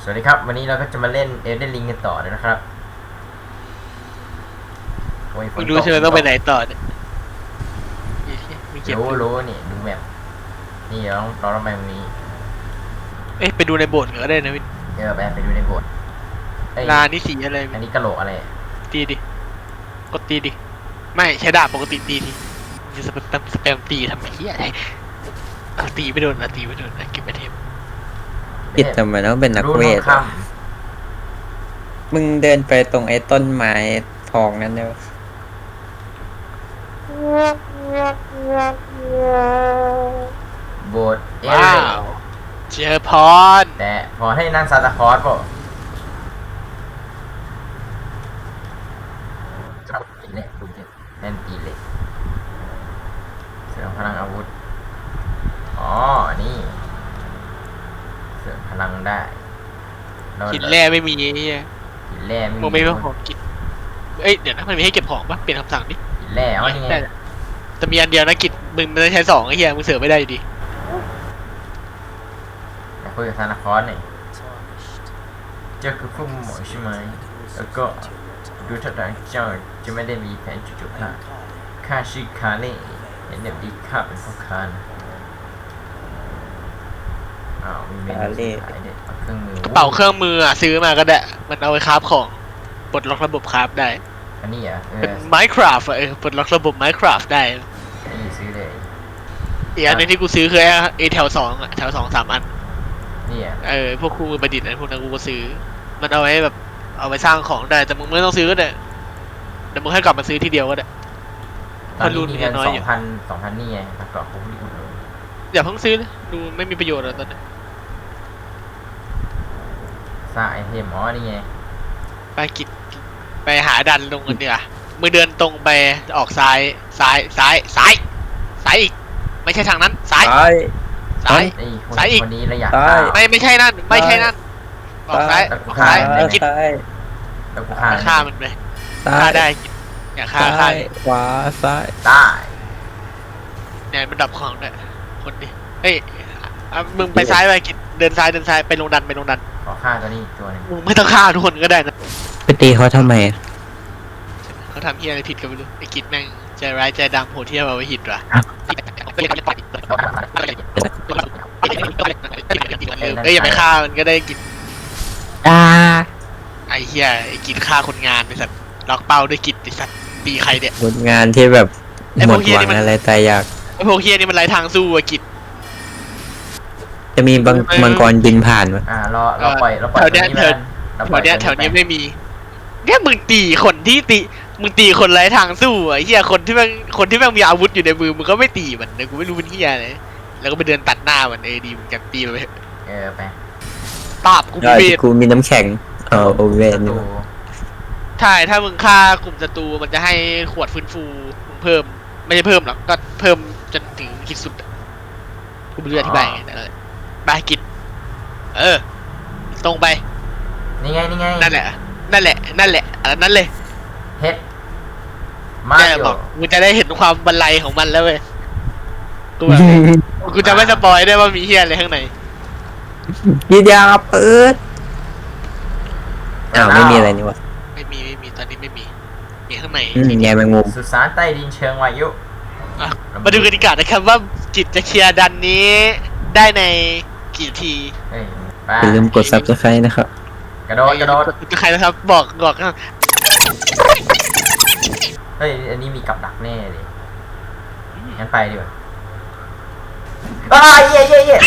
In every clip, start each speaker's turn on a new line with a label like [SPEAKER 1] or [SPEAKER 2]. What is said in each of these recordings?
[SPEAKER 1] วัสดีครับวันนี้เราก็จะมาเล่น Elden Ring กันต่อเลยนะครับ
[SPEAKER 2] ไม่รู้ใช่ไหมต้องไปไหนต่อเนี่ยมีเก็บ
[SPEAKER 1] รู้นี่ดูแมพนี่เราต้องไปตรงนี้
[SPEAKER 2] ไปดูในโบสถ์ก็ได้นะพี่
[SPEAKER 1] ไปดูในโบสถ์
[SPEAKER 2] ลานี่สีอะไร
[SPEAKER 1] อันนี้กะโหลกอะไร
[SPEAKER 2] ตีดิกดตีดิไม่ใช้ดาบปกติตีดิจะสแปมตีทำไมเหี้ยอะไรตีไม่โดนนะเก็บไปเทม
[SPEAKER 3] ผิดทำไมต้องเป็นนักเวทมึงเดินไปตรงไอ้ต้นไม้ทองนั่นเนอะ
[SPEAKER 1] โบสถ์
[SPEAKER 2] ว้าวเจอพร
[SPEAKER 1] แต่พอให้นั่งซานตาคลอสป่ะเนี่ยดูดิแน่นตีเลยเสริมพลังอาวุธอ๋อนี่เสริมพลังได้
[SPEAKER 2] หินแร่ไม่มีเนี่ย
[SPEAKER 1] หินแร่
[SPEAKER 2] มึงไม่มีของกินเดี๋ยวนะมันมีให้เก็บของปะเปลี่ยนคำสั่งดิ
[SPEAKER 1] หินแร่อ๋อนี่ไง
[SPEAKER 2] แต่มีอันเดียวนะกิจมึงไม่ใช้2ไอ้เหี้ยมึงเสือไม่ได้อยู่ดี
[SPEAKER 1] คุยกับซานตาคลอสหน่อยเจ้าคือผู้หมอใช่ไหมแล้วก็ดูท่าทางเจ้าจะไม่ได้มีแผนจุดข้าชื่อคาเล่เห็นแบบดีข้าเป็นพ่อค้านะมีเมนูขายเด็ดเครื่องมือก
[SPEAKER 2] ระเป๋าเครื่องมือซื้อมาก็ได้มันเอาไว้คราฟของปลดล็อกระบบคราฟได้
[SPEAKER 1] อันนี้
[SPEAKER 2] เป็น Minecraft ปลดล็อกระบบ Minecraft ได้
[SPEAKER 1] นี่ซื้อเลย
[SPEAKER 2] อีกอันนึงที่กูซื้อคือไอ้แถว2แถว2-3 อัน
[SPEAKER 1] นี่
[SPEAKER 2] พวกคู่มือประดิษฐ์พวกนั้นกูก็ซื้อมันเอาไว้แบบเอาไปสร้างของได้แต่มึงไม่ต้องซื้อก็ได้เดี๋ยวมึงให้กลับมาซื้อทีเดียวก็ได้
[SPEAKER 1] ตอนนี้มีเงิน2,000นี่ไงแล้วก็คุ้มที่คุณ
[SPEAKER 2] อย่าเพิ่งซื้อเลยดูไม่มีประโยชน์แล้วตอนนี้
[SPEAKER 1] สร้างไอเทมนี่ไง
[SPEAKER 2] ไปหาดันลงกันเดี๋ยวมือเดินตรงไปออกซ้ายอีกไม่ใช่ทางนั้นซ้ายอีก
[SPEAKER 1] คนนี้ระยะ
[SPEAKER 2] ไม่ใช่นั่นออกซ้ายกินฆ่ามันไปฆ่าได้อย่าฆ่า
[SPEAKER 3] ขวาซ้าย
[SPEAKER 1] ใต้
[SPEAKER 2] เนี่ยมันดับของเนี่ยคนดิมึงไปซ้ายไปกินเดินซ้ายไปลงดัน
[SPEAKER 1] ขอฆ่าตัวนี้ตัวนึง
[SPEAKER 2] มึงไม่ต้องฆ่าทุกคนก็ได้นะ
[SPEAKER 3] ไปตีเขาทำไม
[SPEAKER 2] เขาทำเฮียอะไรผิดกันไม่รู้ไอ้กิจแม่งใจร้ายใจดำโหดเที่ยวเอาไว้หิดว่ะอย่าไปฆ่ามันก็ได้กินไอ้เฮียไอ้กินฆ่าคนงานไอ้สัตว์ล็อกเป้าด้วยกิจไอ้สัตว์ตีใครเนี่ย
[SPEAKER 3] คนงานที่แบบหมดหวังอะไรตายอยาก
[SPEAKER 2] ไอ้พวกเฮียนี่มันไร้ทางสู้อะกิจ
[SPEAKER 3] จะมีมังกรบินผ่านมั้ย
[SPEAKER 1] เราปล่อยแถว
[SPEAKER 2] นี้ไม่มีเนี่ยมึงตีคนที่มึงตีคนไร้ทางสู้อ่ะเฮียคนที่แม่งมีอาวุธอยู่ในมือมึงก็ไม่ตีมันนะกูไม่รู้เป็นเฮียอะไรแล้วก็ไปเดินตัดหน้ามันดีมึงกันตีไป
[SPEAKER 1] ไป
[SPEAKER 2] ตาบ
[SPEAKER 3] กูมีน้ำแข็งโอเว่นนี่
[SPEAKER 2] ใช่ถ้ามึงฆ่ากลุ่มศัตรูมันจะให้ขวดฟื้นฟูเพิ่มไม่ใช่เพิ่มหรอกก็เพิ่มจนถึงขีดสุดกูไม่รู้อธิบายไงบายกิจตรงไป
[SPEAKER 1] นี่ไง
[SPEAKER 2] นั่นแหละอันนั้นเลย
[SPEAKER 1] เฮ็ดมา
[SPEAKER 2] อยู่กูจะได้เห็นความบรรลัยของมันแล้วเว้ยกูจะไม่สปอยได้ว่ามีเฮียอะไรข้างใน
[SPEAKER 3] ยีดาเปิดไม่มีอะไรนี่วะ
[SPEAKER 2] ไม่มีตอนนี้ไม่มีข้างใน
[SPEAKER 3] แง่แมงมุม
[SPEAKER 1] สุสานใต้ดินเชิงวายุ
[SPEAKER 2] มาดูกติกานะครับว่ากิจจะเคลียร์ดันนี้ได้ในกี่ที
[SPEAKER 3] อย่าลืมกด Subscribe นะครับ
[SPEAKER 1] กระโดด
[SPEAKER 2] ใครนะครับบอก
[SPEAKER 1] เฮ้ยอันนี้มีกับดักแน่เลยงั้นไปดีกว่าเย่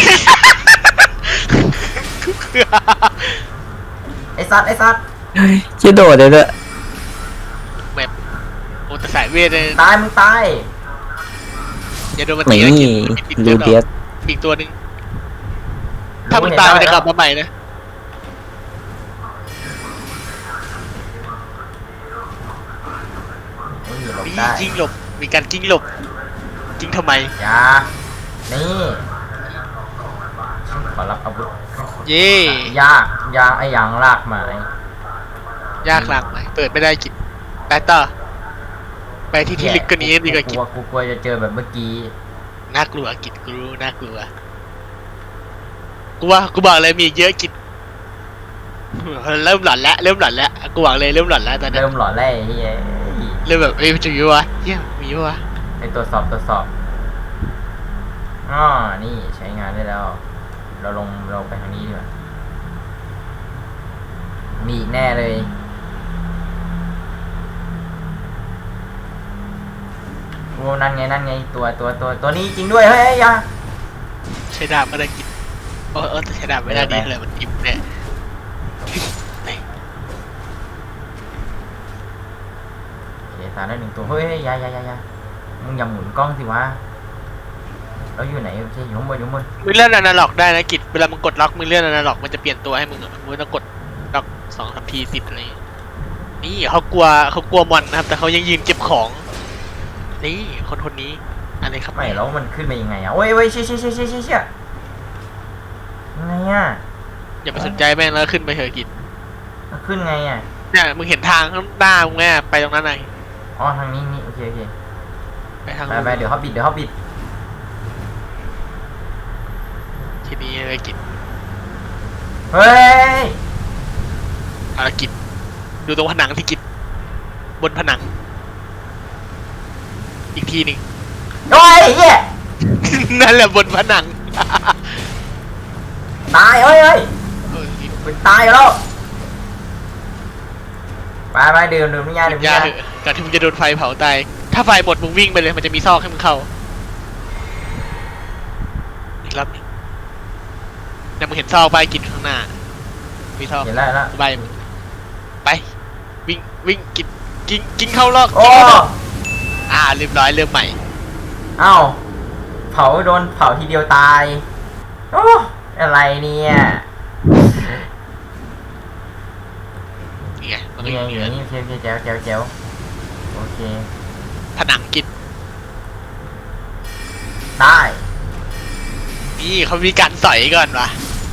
[SPEAKER 1] ไอ้สัตว์
[SPEAKER 3] จะโดดเลยด้วย
[SPEAKER 2] แบบโอ้แต่สายเวทเลย
[SPEAKER 1] มึงตาย
[SPEAKER 2] อย่าโดนมันตีนะ
[SPEAKER 3] ลูเดียส
[SPEAKER 2] อีกตัวนึงถ้ามึงตายมันจะกลับมาใหม่นะยิงหลบมีการยิงหลบยิงทำไม
[SPEAKER 1] อย่านี่ขอรับอาวุธยากไอ้ยังลากไม้
[SPEAKER 2] ยากหลักไหมเปิดไม่ได้กินไปต่อไปที่ลึกกว่านี้ดีกว่ากิน
[SPEAKER 1] กูกลัวจะเจอแบบเมื่อกี้
[SPEAKER 2] น่ากลัวกินกูน่ากลัวกูบอกเลยมีเยอะกินเริ่มหลอนแล้วกูหวังเลยเริ่มหลอนแล้วตอนนี้
[SPEAKER 1] เริ่มหลอนแล้วไอ้เหี้ย
[SPEAKER 2] เริ่มแบบมันจะมีวะเฮียมีวะ
[SPEAKER 1] ไอ้ตรวจสอบอ๋อนี่ใช้งานได้แล้ว เราไปทางนี้ดีกว่ามีอีกแน่เลยโอ้นั่นไงตัวนี้จริงด้วยเฮ้ยอย่า
[SPEAKER 2] ใช้ดาบก็ได้กินแต่ใช้ดาบไม่ได้ดีเลยมันอิ่มแน่
[SPEAKER 1] โอเคตามได้1 ตัวเฮ้ยอย่ามึงอย่าหมุนกล้องสิวะเราอยู่ไหนโอเคอยู่ข้างบน
[SPEAKER 2] มึงเลื่อนอนาล็อกได้นะกิจเวลามึงกดล็อกมึงเลื่อนอนาล็อกมันจะเปลี่ยนตัวให้มึงมึงต้องกดล็อก2-3 ทีติดอะไรนี่เขากลัวมอนนะครับแต่เขายังยืนเก็บของนี่คนนี้อะไรครับ
[SPEAKER 1] ไม่แล้วมันขึ้นมายังไงอ่ะโอ้ยเชี่ยยังไงอ่ะ
[SPEAKER 2] อย่าไปสนใจแม่งแล้วขึ้นไปเถอะกิจ
[SPEAKER 1] มันขึ้นไงอ่ะ
[SPEAKER 2] เนี่ยมึงเห็นทางข้างหน้ามึงแม่ไปตรงนั้นไง
[SPEAKER 1] อ๋อทางนี้โอเค
[SPEAKER 2] ไปทาง
[SPEAKER 1] ไปเดี๋ยวเขาบิด
[SPEAKER 2] ทีนี้เลยกิจ
[SPEAKER 1] เฮ้ย
[SPEAKER 2] เอาละกิจดูตรงผนังที่กิจบนผนัง อีกทีหนึ่ง
[SPEAKER 1] โอ้ยเหี้ย
[SPEAKER 2] นั่นแหละบนผนัง
[SPEAKER 1] ตายเฮ้ย
[SPEAKER 2] เออ
[SPEAKER 1] มันตายแล้วไปดื่มน้ำยา
[SPEAKER 2] อย่าเถอะก่อนที่มึงจะโดนไฟเผาตายถ้าไฟหมดมึงวิ่งไปเลยมันจะมีซอกให้มึงเข้าอีกรอบหนึงเนี่ยมึงเห็นซอกใบกิจข้างหน้ามีซอก
[SPEAKER 1] เห็นแล้ว
[SPEAKER 2] ใบมึงไปวิ่งกินเข้ารอบ
[SPEAKER 1] โอ้
[SPEAKER 2] เรียบร้อยเริ่มใหม่
[SPEAKER 1] เอ้าโดนเผาทีเดียวตายโอ้อะไรเนี่ย
[SPEAKER 2] นี่ไงมันก็
[SPEAKER 1] นี่
[SPEAKER 2] อ
[SPEAKER 1] ไง
[SPEAKER 2] ยู่
[SPEAKER 1] อยู่
[SPEAKER 2] เหนือ
[SPEAKER 1] นี่โอเคแจ๋วโอเค
[SPEAKER 2] ผนังกิจ
[SPEAKER 1] ได้
[SPEAKER 2] นี่เขามีการสอยก่อนวะ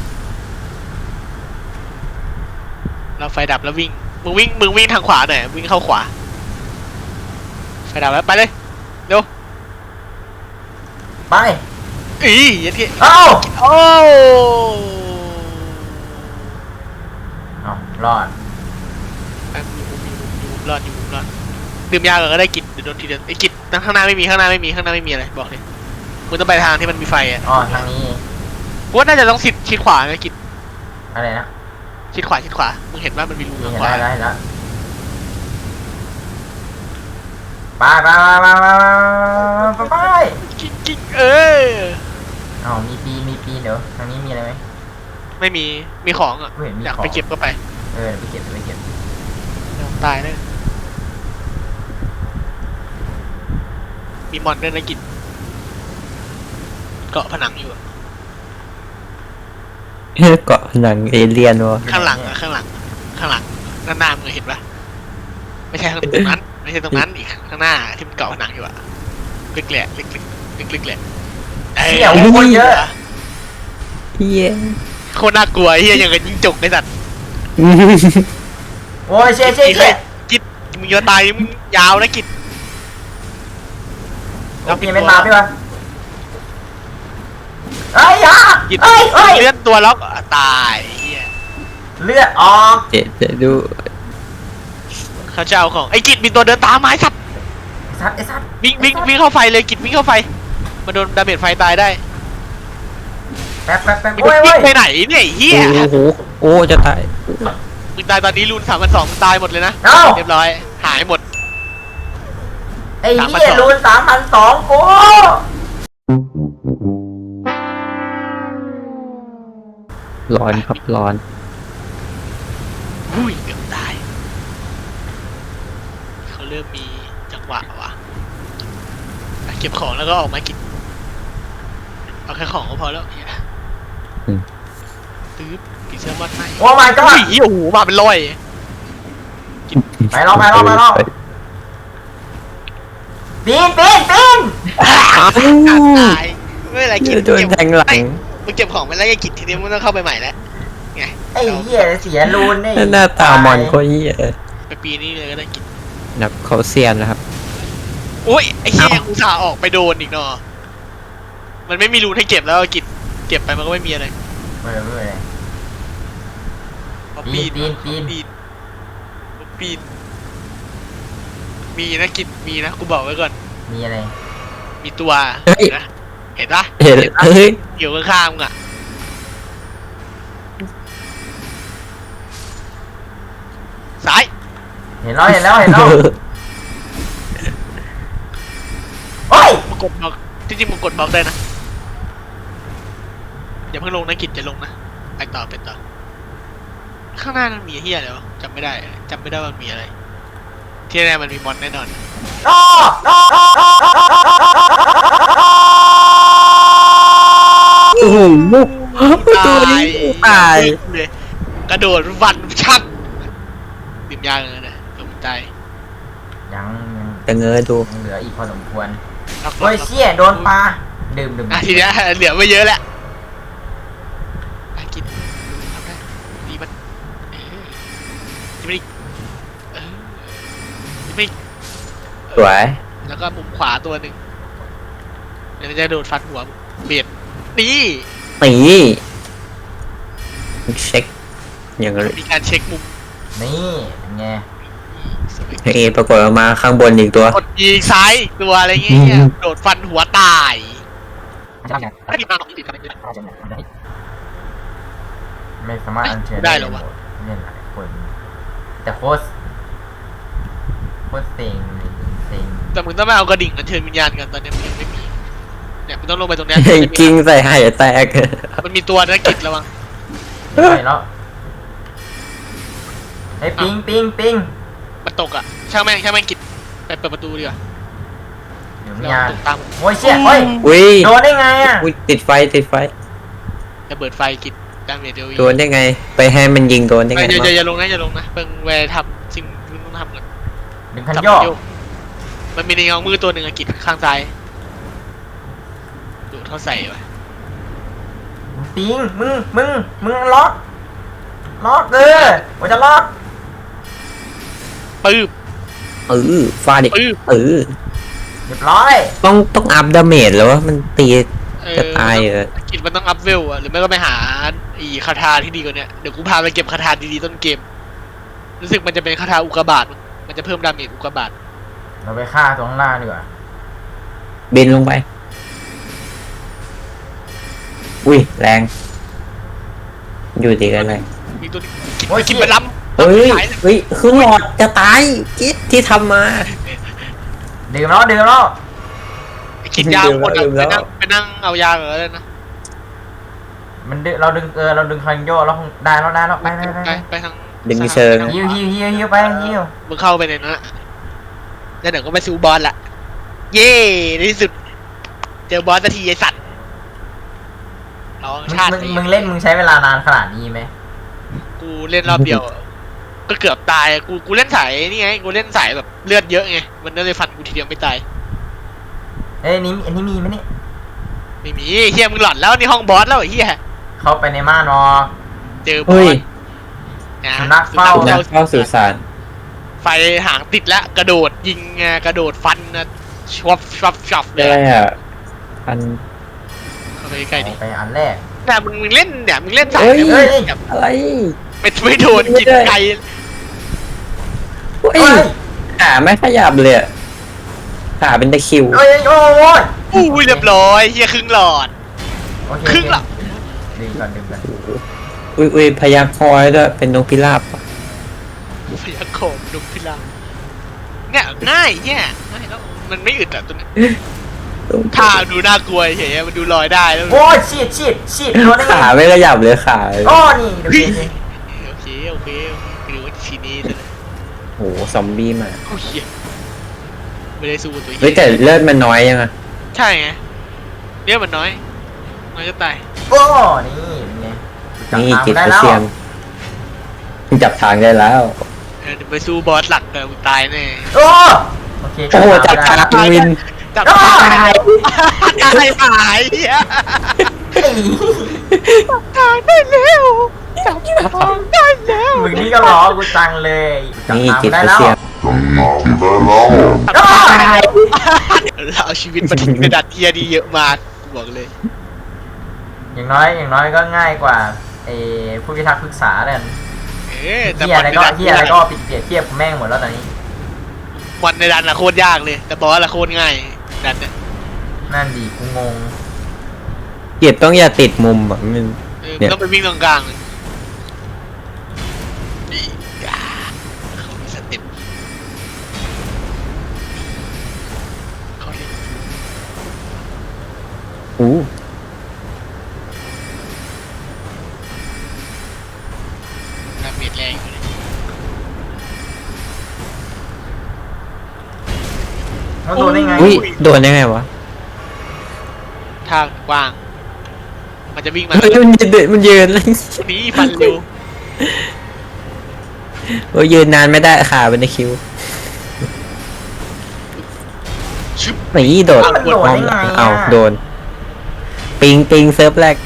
[SPEAKER 2] เราไฟดับแล้ววิ่งมึงวิ่งทางขวาหน่อยวิ่งเข้าขวาไฟดับแล้วไปเลยเร็ว
[SPEAKER 1] ไป
[SPEAKER 2] ยัดที่
[SPEAKER 1] เอ้า
[SPEAKER 2] โอ้
[SPEAKER 1] รอด
[SPEAKER 2] อยู่รอดดื่มยาก่อนก็ได้กินเดี๋ยวโดนทีเดียวไอ้กิจข้างหน้าไม่มีอะไรบอกเลยมึงต้องไปทางที่มันมีไฟอ่ะ
[SPEAKER 1] อ๋อทางนี้
[SPEAKER 2] กูว่าน่าจะต้องชิดขวาไงกิจ
[SPEAKER 1] อะไรนะ
[SPEAKER 2] ชิดขวามึงเห็นว่ามันมีรูทางขวา
[SPEAKER 1] ได้แล้วไป
[SPEAKER 2] กิ๊ก
[SPEAKER 1] อ๋อมีปีนเดี๋ยวทางนี้มีอะไรไหม
[SPEAKER 2] ไม่มีของอ่ะ
[SPEAKER 1] กูเห็นมี
[SPEAKER 2] อยาก
[SPEAKER 1] ของ
[SPEAKER 2] ไปเก็บก็ไป
[SPEAKER 1] เดี๋ยวไปเก็บ
[SPEAKER 2] เดี๋ยวตายเลยมีมอนด้วยนะกิจเกาะผนังอยู่อะ
[SPEAKER 3] เกาะผนังเอเลี่ยนวะ
[SPEAKER 2] ข้างหลังด้านหน้ามึงเห็นปะไม่ใช่ตรงนั้นไม่ใช่ตรงนั้นอีกข้างหน้าที่มันเกาะผนังอยู่อะเล็กๆแหละเอ้ย
[SPEAKER 1] เชี่ยคนเยอะ
[SPEAKER 3] เฮีย
[SPEAKER 2] โคตรน่ากลัวเฮียอย่างกับยิงจกไอ้สัตว์
[SPEAKER 1] โอ้ยเชี่ย
[SPEAKER 2] กิจมึงจะตายมึงยาวนะกิจ
[SPEAKER 1] เราเปลี่ยนเป็นมาพี่วะเฮ้ย
[SPEAKER 2] กิจ
[SPEAKER 1] เฮ้ย
[SPEAKER 2] เลื่อนตัวล็อกตายเฮีย
[SPEAKER 1] เลือดออก
[SPEAKER 3] เดี๋ยวดู
[SPEAKER 2] เขาจะเอาของไอ้กิจมีตัวเดินตามมาไอ้สัตว์
[SPEAKER 1] ไอ้สัตว์
[SPEAKER 2] วิ่งเข้าไฟเลยกิจวิ่งเข้าไฟมาโดนดาเมจไฟตายได้
[SPEAKER 1] แป๊บ
[SPEAKER 2] มึง
[SPEAKER 1] โอ้ย
[SPEAKER 2] วิ่งไปไหนเนี่ยไอ้เฮีย
[SPEAKER 3] โอ้โหโอ้จะตาย
[SPEAKER 2] มึงตายตอนนี้รูน3,200มึงตายหมดเลยนะ
[SPEAKER 1] เอ้า
[SPEAKER 2] เรียบร้อยหายหมด
[SPEAKER 1] ไอ้เหี้ยรูน3,200กู
[SPEAKER 3] ร้อนครับร้อน
[SPEAKER 2] อุ้ยเกือบตายเขาเริ่มมีจังหวะว่ะอ่ะเก็บของแล้วก็ออกมากินเอาแค่ของก็พอแล้วเฮียตื้อผีเสื้อมัดให้
[SPEAKER 1] โอ้ my
[SPEAKER 2] อุ้
[SPEAKER 1] god
[SPEAKER 2] ยโอ้โหมาเป็นร้อย
[SPEAKER 1] ไปรอปีน
[SPEAKER 2] ตายไม่เป็นไรกิน
[SPEAKER 3] โดนแทงหลัง
[SPEAKER 2] มึงเก็บของไปแล้วยังกินทีนี้มึงต้องเข้าไปใหม่แล้วไง
[SPEAKER 1] ไอ้เหี้ยเสียรูนนี่
[SPEAKER 3] หน้าตามอนก็เฮีย
[SPEAKER 2] ไปปีนี้เลยก็ได้กิน
[SPEAKER 3] นับเขาเซียนนะครับ
[SPEAKER 2] โอ้ยไอ้เหี้ยยังอุตส่าห์ออกไปโดนอีกเนาะมันไม่มีรูนให้เก็บแล้วกินเก็บไปมันก็ไม่มีอะไร
[SPEAKER 1] ไม่
[SPEAKER 2] มา
[SPEAKER 1] ปี
[SPEAKER 2] ปี
[SPEAKER 1] น
[SPEAKER 2] น
[SPEAKER 1] ปีนปีน
[SPEAKER 2] มาปีนมีนะกิจมีนะกูบอกไว้ก่อน
[SPEAKER 1] มีอะไร
[SPEAKER 2] มีตัวนะเห็นปะ
[SPEAKER 3] เห็น
[SPEAKER 2] ปะ
[SPEAKER 3] เฮ้ย
[SPEAKER 2] อยู่ข้างๆมึงอะซ้าย
[SPEAKER 1] เห็นแล้วเห็นแล้วเห็นแล้วโอ้ย
[SPEAKER 2] มึงกดบล็อกจริงๆมึงกดบล็อกได้นะอย่าเพิ่งลงนะกิจจะลงนะไปต่อไปต่อข้างหน้ามันมีเฮียอะไรวะจำไม่ได้ว่ามันมีอะไร ที่แน่มันมีมอนแน่นอน
[SPEAKER 1] อ้ออ้ออ้ออ้ออ้อ
[SPEAKER 3] โอ้โหตัวนี้ตาย
[SPEAKER 2] เลยกระโดดวันชัดดื่มยาเลยนะลงตาย
[SPEAKER 1] ยัง
[SPEAKER 3] แต่เงยดู
[SPEAKER 1] ยังเหลืออีกพอสมควร
[SPEAKER 2] ล็อก
[SPEAKER 1] เฮ้ยเชี่ยโดนปลาดื่ม
[SPEAKER 2] ทีเนี้ยเหลือไม่เยอะแล้วไปกินทำได้ดีมันยิงไม่
[SPEAKER 3] สวย
[SPEAKER 2] แล้วก็มุมขวาตัวหนึ่งเดี๋ยวมันจะโดดฟันหัวเบียดนี่
[SPEAKER 3] นี่เช็คอย่างไร
[SPEAKER 2] มีการเช็คมุม
[SPEAKER 1] นี่ไง
[SPEAKER 2] สวย
[SPEAKER 3] เอปรากฏออกมาข้างบนอีกตัว
[SPEAKER 2] กดยิงซ้ายอีกตัวอะไรเงี้ยโดดฟันหัวตายถ้ามีมาหนอกติดกันเลย
[SPEAKER 1] ไม่สามารถอัญเชิญ
[SPEAKER 2] ได้เหรอวะ
[SPEAKER 1] เล่นหลายคนแต่โคตรเซ็งเซ็ง
[SPEAKER 2] แต่มึงต้องไม่เอากระดิ่งอัญเชิญวิญญาณกันตอนนี้มันยังไม่มีเนี่ยมึงต้องลงไปตรงเนี้ย
[SPEAKER 3] กิ้งใส่หายแตก
[SPEAKER 2] มันมีตัวนักกิจระวัง
[SPEAKER 1] ไปแล้วไอ้ยปิงปิงปิง
[SPEAKER 2] มันตกอ่ะช่างแม่งกิจไปเปิดประตูดีกว่า
[SPEAKER 1] เดี๋ยว
[SPEAKER 2] ระ
[SPEAKER 1] มี
[SPEAKER 2] วั
[SPEAKER 1] ยาง
[SPEAKER 2] ตกตาม
[SPEAKER 1] โอ้ยเชี่ยเฮ้ย
[SPEAKER 3] อุ้ย
[SPEAKER 1] โดนได้ไงอ่ะ
[SPEAKER 3] อุ้ยติดไฟ
[SPEAKER 2] ระเบิดไฟกิจดาเมจเดียว
[SPEAKER 3] โดนได้ไง ไปให้มันยิงโดนได้ไง
[SPEAKER 2] อย่าลงนะเพิ่งแวร์ทำสิ่งที่ต้องทำก่อน
[SPEAKER 1] ดึงคัน
[SPEAKER 2] จับ
[SPEAKER 1] โยก
[SPEAKER 2] โยกมันมีในเงามือตัวหนึ่งอะกิจข้างซ้ายดูดเข้าใส่ไป
[SPEAKER 1] ปิงมึงล็อกว่าจะล็อก
[SPEAKER 2] ปื๊บ
[SPEAKER 3] ฟาดิ
[SPEAKER 2] ปื๊บ
[SPEAKER 1] เรียบร้อย
[SPEAKER 3] ต้องอัพดาเมจแล้วว่ามันตีจะตายเหรอ
[SPEAKER 2] กิจมันต้องอัพเวลอะหรือไม่ก็ไปหาอีคาถาที่ดีกว่านี้เดี๋ยวกูพาไปเก็บคาถาดีๆต้นเกมรู้สึกมันจะเป็นคาถาอุกกาบาตมันจะเพิ่มดาเมจอุกกาบาต
[SPEAKER 1] เราไปฆ่าตัวข้างล่างดีกว่า
[SPEAKER 3] บินลงไป อุ้ยแรง อยู่ดีกันเลย
[SPEAKER 2] มีตัวกิจมันล้ำ
[SPEAKER 3] เฮ้ย
[SPEAKER 2] ขายเลย
[SPEAKER 3] เฮ้ยคือหลอดจะตายกิ๊ดที่ทำมา
[SPEAKER 1] ดื่มแล้ว
[SPEAKER 2] ไอ้กิจยาวหมดอะ
[SPEAKER 3] ลืมแล้ว
[SPEAKER 2] ไปนั่งเอายาเหรอเลยนะ
[SPEAKER 1] มันดึงเราดึงคันโยกเราคงได้แล้วไป
[SPEAKER 2] ไปทาง
[SPEAKER 3] ดึงเชิง
[SPEAKER 1] ฮิวไปฮิว
[SPEAKER 2] มึงเข้าไปในนั้นอะแล้วเดี๋ยวก็ไปซูบอลละเย่ในที่สุด เจอบอสสักทีไอสัตว์ร้องชาติ
[SPEAKER 1] มึงเล่นมึงใช้เวลานานขนาดนี้ไหม
[SPEAKER 2] กูเล่นรอบเดียวอะก็เกือบตายกูเล่นสายนี่ไงกูเล่นสายแบบเลือดเยอะไงมันก็เลยฟันกูทีเดียวไม่ตาย
[SPEAKER 1] เอ้ยนี่อันนี้มีไหมเนี่ย
[SPEAKER 2] ไม่มีเฮียมึงหลอนแล้วนี่ห้องบอสแล้วไอ้เฮีย
[SPEAKER 1] เข้าไปในม่านอ
[SPEAKER 2] เจอบอ
[SPEAKER 3] เฮ้ย
[SPEAKER 2] สนะ
[SPEAKER 1] สุนัขเฝ้า
[SPEAKER 3] นักเข้าสื่อสาร
[SPEAKER 2] ไฟหางติดแล้วกระโดดยิงไงกระโดดฟันนะชวบเล
[SPEAKER 3] ได้
[SPEAKER 2] ย
[SPEAKER 3] อ่ะอัน
[SPEAKER 2] เข้าไปใกล้ดิ
[SPEAKER 1] ไปอันแรก
[SPEAKER 2] แต่มึงเล่นเนี่ยมึงเล่นสาย
[SPEAKER 3] เฮ้ย
[SPEAKER 2] เนี่ยมึงแบบ
[SPEAKER 3] อะไร
[SPEAKER 2] ไม่โดนกินไก่
[SPEAKER 3] เฮ้ยขาไม่ขยับเลยอะขาเป็นตะคริว
[SPEAKER 1] โอ้ย
[SPEAKER 2] อุ้ยเรียบร้อยเฮียครึ่งหลอด
[SPEAKER 1] โอเค
[SPEAKER 2] ครึ่งหลอด
[SPEAKER 1] ดึงก่อน
[SPEAKER 3] อุ้ยพยาคอยด้วยเป็นนกพิราบ
[SPEAKER 2] พยัคฆ์โขมดุพิลาเนี่ยง่ายเนี่ยง่ายแล้วมันไม่อึดอ่ะตัวนี้ท่าดูน่ากลัวเฉยมันดูลอยได้แล้ว
[SPEAKER 1] โอ้ยชีดโดนได้ไง
[SPEAKER 3] ขาไม่ขยับเลยขา
[SPEAKER 1] อ๋อนี่ดูดิ
[SPEAKER 2] โอเคคือว่าทีนี้เลย
[SPEAKER 3] โหซอมบี้มา
[SPEAKER 2] โอ้ยไม่ได้สู้ตัว
[SPEAKER 3] เฮ้ยแต่เลือดมันน้อยยังอะ
[SPEAKER 2] ใช่ไงเนี่ยมันน้อยจะตาย
[SPEAKER 1] โอ้นี่เป็นไง
[SPEAKER 3] นี่จิต
[SPEAKER 1] ได้
[SPEAKER 3] กระ
[SPEAKER 1] แล้ว
[SPEAKER 3] เทียมจับทางได้แล้ว
[SPEAKER 2] เดี๋ยวไปสู้บอสหลักกันมึงตายแน่
[SPEAKER 1] โอ้โอเค
[SPEAKER 3] โอ้โหจับทางวิน
[SPEAKER 2] จับตายตายหายเฮียตายได้แล้วจับทางได้แล้ว
[SPEAKER 1] มึงนี่ก็ล้อกูจังเลยจับ
[SPEAKER 3] นี่
[SPEAKER 1] ทาง
[SPEAKER 3] จิต
[SPEAKER 1] ได้
[SPEAKER 3] กระ
[SPEAKER 1] แล้ว
[SPEAKER 3] เทียม
[SPEAKER 2] เราเอาชีวิตมาทิ้งกระดาษเทียดีเยอะมากกูบอกเลย
[SPEAKER 1] อย่างน้อยก็ง่ายกว่าไอ้ผู้พิทักษ์ปรึกษาเลย
[SPEAKER 2] แต่
[SPEAKER 1] เฮียอะไรก็เฮียอะไรก็ปิดเปรียบเทียบแม่งหมดแล้วตอนนี้
[SPEAKER 2] วันในดันอะโคตรยากเลย แต่บอสอะโคตรง่ายดันเนี่ย
[SPEAKER 1] นั่นดีกูงง
[SPEAKER 3] เกียบต้องอย่าติดมุมอ่ะมัน เนี่ย
[SPEAKER 2] ต้องไปวิ่งตรงกลางเลยนี่เขามีสเต็ปเขาเล่น
[SPEAKER 3] อู้
[SPEAKER 2] ดาเมจแรงอยู่เลย
[SPEAKER 1] มันโดนได้ไง
[SPEAKER 3] อุ้ยโดนได้ไงวะ
[SPEAKER 2] ทางกว้าง มันจะวิ่งมา
[SPEAKER 3] มันยืน
[SPEAKER 2] นี่ฟันเร็ว
[SPEAKER 3] โอ้ยยืนนานไม่ได้ขาเป็นตะคริว
[SPEAKER 2] ชึบ
[SPEAKER 3] นี่โดด
[SPEAKER 1] มันโดนได้ไง
[SPEAKER 3] เอาโดน ปิงเซิร์ฟแรก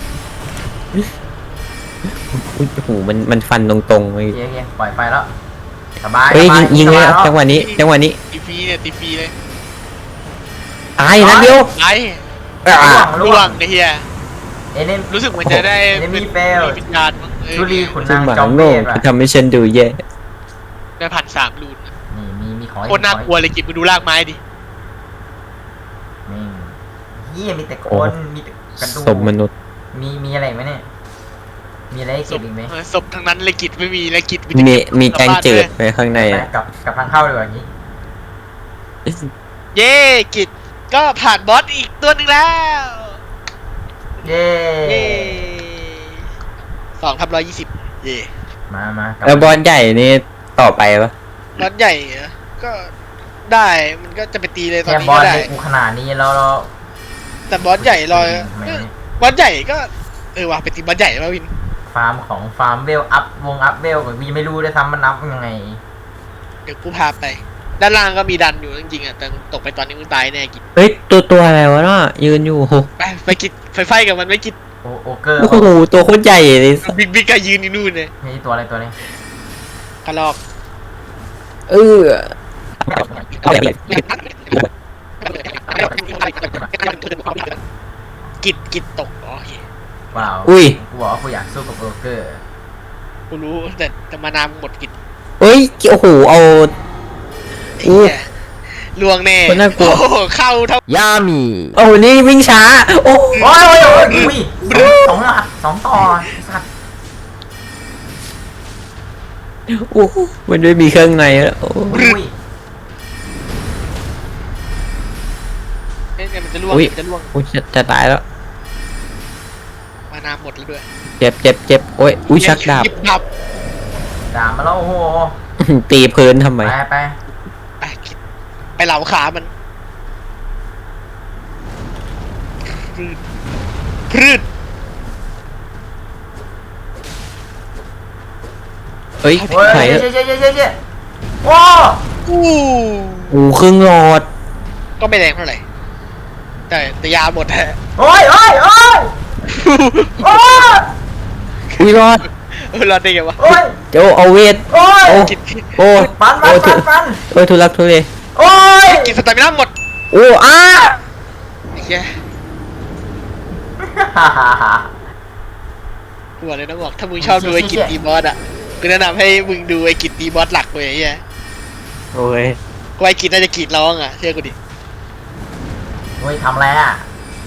[SPEAKER 3] อุ้ยโอ้โหมันฟันตรงๆเลย
[SPEAKER 1] เฮียปล่อยไฟแล้วสบาย
[SPEAKER 3] เฮ้ย
[SPEAKER 1] สบา
[SPEAKER 3] ยิงเลย
[SPEAKER 1] สบา
[SPEAKER 3] จังหวะนี้
[SPEAKER 2] ตีฟรีเนี่ยตีฟรีเลย
[SPEAKER 3] ตายนะเดียว
[SPEAKER 2] ไอ้
[SPEAKER 3] อ่ะ
[SPEAKER 2] ล่วงไอ้เหี้ย
[SPEAKER 1] เอเนม
[SPEAKER 2] รู้สึกเหมือนจะได้
[SPEAKER 1] Enemy
[SPEAKER 2] เป็น
[SPEAKER 1] fail
[SPEAKER 2] วิญญาณมั้ง
[SPEAKER 1] ชุลีขุน
[SPEAKER 3] ซึ่
[SPEAKER 1] นาง ง
[SPEAKER 3] หมา
[SPEAKER 1] จอมเว
[SPEAKER 3] โง่
[SPEAKER 1] ทว่ะ
[SPEAKER 3] ทำให้ฉันดูแย่
[SPEAKER 2] ได้1,300 รูน
[SPEAKER 1] นี่มีของ
[SPEAKER 2] โคตรน่ากลัวเลยกิบมึงดูรากไม้ดิ
[SPEAKER 1] นี่เฮียมีแต่คนมีแต่กระดูก
[SPEAKER 3] สมมนุษย์
[SPEAKER 1] มีอะไรไหมเนี่ยมีอะไรให้
[SPEAKER 2] ศ
[SPEAKER 1] เก็
[SPEAKER 2] พ
[SPEAKER 1] บอีกไหม
[SPEAKER 2] ศพทั้งนั้นเลยกิจไม่มีเลยกิจ
[SPEAKER 3] มีแกงจืดไว้ข้างใน
[SPEAKER 1] ไป
[SPEAKER 3] อ่ะ
[SPEAKER 1] กับทางเข้าดีกว่านี้
[SPEAKER 2] เย้กิจก็ผ่านบอสอีกตัวหนึ่งแล้ว
[SPEAKER 1] เย้
[SPEAKER 2] เย้2/120เย่
[SPEAKER 1] มากับ
[SPEAKER 3] แล้วบอลใหญ่นี่ต่อไปปะ
[SPEAKER 2] บอสใหญ่เหรอก็ได้มันก็จะไปตีเลยตอน
[SPEAKER 1] แค่
[SPEAKER 2] นี้
[SPEAKER 1] บอ
[SPEAKER 2] ก็
[SPEAKER 1] ล
[SPEAKER 2] ได้
[SPEAKER 1] ให้กูขนาดนี้แล้วเรา
[SPEAKER 2] แต่บอสใหญ่รอ
[SPEAKER 1] ทำไมเนี่ย
[SPEAKER 2] บอสใหญ่ก็ว่ะไปตีบอสใหญ่มาวิน
[SPEAKER 1] ฟาร์มของฟาร์มเวลอัพอัพเวลกูยังไม่รู้ด้วยซ้ำมันอัพยังไง
[SPEAKER 2] เดี๋ยวกูพาไป ด้านล่างก็มีดันอยู่จริงๆอ่ะแต่ตกไปตอนนี้มึงตายแน่กิจ
[SPEAKER 3] เฮ้ยตัวอะไรวะเนาะยืนอยู่โอ้โห
[SPEAKER 2] ไปกิจไฟกับมันไม่กิจ
[SPEAKER 1] โอเกอร์
[SPEAKER 3] โอ้โหตัวโคตรใหญ่เลย
[SPEAKER 2] บิ๊กก็ยืนอยู่นู่นเลย
[SPEAKER 1] นี่ตัวอะไรตัวนี้
[SPEAKER 2] กระลอก
[SPEAKER 3] เออ
[SPEAKER 2] กิจตกโอเค
[SPEAKER 1] เปล่า
[SPEAKER 3] อุ้ย
[SPEAKER 1] กูบอกว่ากูอยากสู้กับโอเกอร์
[SPEAKER 2] กูรู้แต่มานามหมดกิจ
[SPEAKER 3] เฮ้ยโอ้โหเอา
[SPEAKER 2] ไอ้เหี้ยลวงแน่
[SPEAKER 3] คนน่ากลัว
[SPEAKER 2] โอ้โหเข้าเท่าย
[SPEAKER 1] ามี
[SPEAKER 3] โอ้โหนี่วิ่งช้า โอ้
[SPEAKER 1] โอ้ยอุ้ยสองหมัดสองต่อสัตว์
[SPEAKER 3] โอ้มันไม่มีเครื่องในแล้วโอ้
[SPEAKER 1] อุ้ย
[SPEAKER 2] เนี่ยมันจะล่วง
[SPEAKER 3] อุ้ย
[SPEAKER 2] มันจะล่วง
[SPEAKER 3] โอ้ยจะตายแล้ว
[SPEAKER 2] มานามหมดแล้วด้วย
[SPEAKER 3] เจ็บโอ้ยอุ้ยชักดาบ
[SPEAKER 2] หยิดาบ
[SPEAKER 1] ด่ามาแล้วโอ้โห
[SPEAKER 3] ตีพื้นทำไม
[SPEAKER 1] ไป
[SPEAKER 2] ไปกิจไปเหลาขามันพืช
[SPEAKER 3] เฮ้ย
[SPEAKER 1] เฮ้ย
[SPEAKER 3] ไหน
[SPEAKER 1] เจ๊โอ้
[SPEAKER 2] อู้
[SPEAKER 3] โอ้ครึ่งหลอด
[SPEAKER 2] ก็ไม่แรงเท่าไหร่แต่ยาหมดแฮะ
[SPEAKER 1] โอ้ยโอ้ยโอ้ยโอ้ย
[SPEAKER 3] อุ้ยรอด
[SPEAKER 2] รอดได้ไงวะ
[SPEAKER 1] โอ้ย
[SPEAKER 3] เจ้าเอาเวท
[SPEAKER 1] โอ้ย
[SPEAKER 3] โอ้
[SPEAKER 2] กิจ
[SPEAKER 3] โอ้
[SPEAKER 1] ฟัน
[SPEAKER 3] โอ้ทุ โอ้ยทุลักทุเล
[SPEAKER 1] โอ้ย
[SPEAKER 2] กิจสตามิน่าหมด
[SPEAKER 3] โอ้อ้า
[SPEAKER 2] ไอ้เหี้ยกูบอกเลยนะบอกถ้ามึงชอบดูไอ้กิจตีบอสอ่ะกูแนะนำให้มึงดูไอ้กิจตีบอสหลักเลยไอ้เหี้ย
[SPEAKER 3] โอ้ย
[SPEAKER 2] กูไอ้กิจน่าจะกรีดร้องอ่ะเชื่อกูดิ
[SPEAKER 1] โอ้ยทำอะไรอ่ะ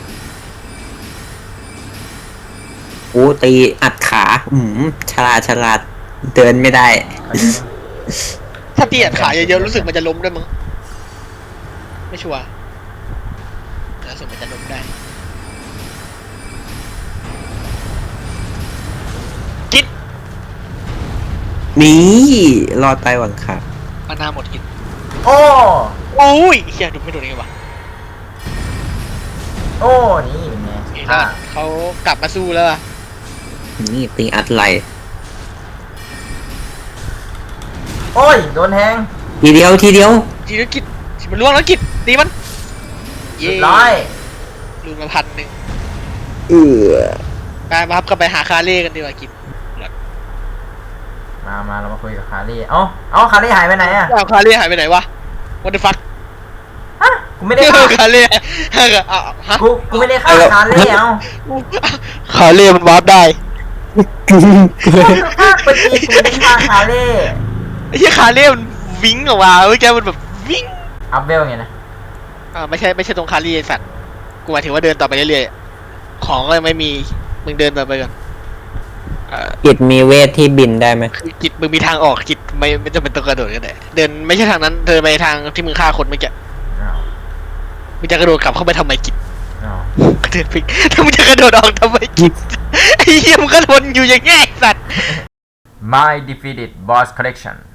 [SPEAKER 3] โอ้ตีอัดขาฉลาดเดินไม่ได้
[SPEAKER 2] ถ้าตีอัดขาเยอะๆรู้สึกมันจะล้มด้วยมั้งไม่ชัวร์แต่รู้สึกมันจะล้มได้กิจ
[SPEAKER 3] นี่รอดไปหวังขา
[SPEAKER 2] มานาหมดกิจ
[SPEAKER 1] โอ้
[SPEAKER 2] โอ้ยเฮียดูไม่โดนยังไงวะ
[SPEAKER 1] โอ้นี่เป็นไง
[SPEAKER 2] เห็นว่าเขากลับมาสู้แล้วอะ
[SPEAKER 3] นี่ตีอัดไหล
[SPEAKER 1] โอ้ยโดนแทง
[SPEAKER 3] ทีเดียว
[SPEAKER 2] ทีนี้กิจมันล่วงแล้วกิจตีมัน
[SPEAKER 1] เรียบร้อย
[SPEAKER 2] ลูนมา1,000 ไปมาครับก็ไปหาคาเล่กันดีกว่ากิจ
[SPEAKER 1] มาเรามาคุยกับคารี่เอ้าคารี่หายไปไหนอ่ะ
[SPEAKER 2] เอาคาเล่หายไปไหนวะ What the fuck
[SPEAKER 1] ฮะกูไม่ได้ฆ่า
[SPEAKER 2] คาเล่ฮะ
[SPEAKER 1] กูไม่ได้ฆ่าคารี่เอ้า
[SPEAKER 2] คาเล่มันวาร์ปได้
[SPEAKER 1] ไปตีกูในท่าคาเล่
[SPEAKER 2] ไอ้เหี้ยคาเล่มันวิ่งออกมาเมื่อกี้มันแบบวิ่ง
[SPEAKER 1] อัพเวลไงนะ
[SPEAKER 2] ไม่ใช่ตรงคาเล่ไอ้สัตว์กูหมายถึงว่าเดินต่อไปเรื่อยๆของก็ยังไม่มีมึงเดินต่อไปก่อน
[SPEAKER 3] กิจมีเวทที่บินได้ไหม
[SPEAKER 2] คือกิจมึงมีทางออกกิจไม่จำเป็นต้องกระโดดก็ได้เดินไม่ใช่ทางนั้นเดินไปทางที่มึงฆ่าคนเมื่อกี้
[SPEAKER 1] อ้าว
[SPEAKER 2] มึงจะกระโดดกลับเข้าไปทำไมกิจ
[SPEAKER 1] อ้าว
[SPEAKER 2] ก็เดินไปถ้ามึงจะกระโดดออกทำไมกิจไอ้เหี้ยมึงก็ทนอยู่อย่างเงี้ยไอ้สัตว์
[SPEAKER 1] My defeated boss collection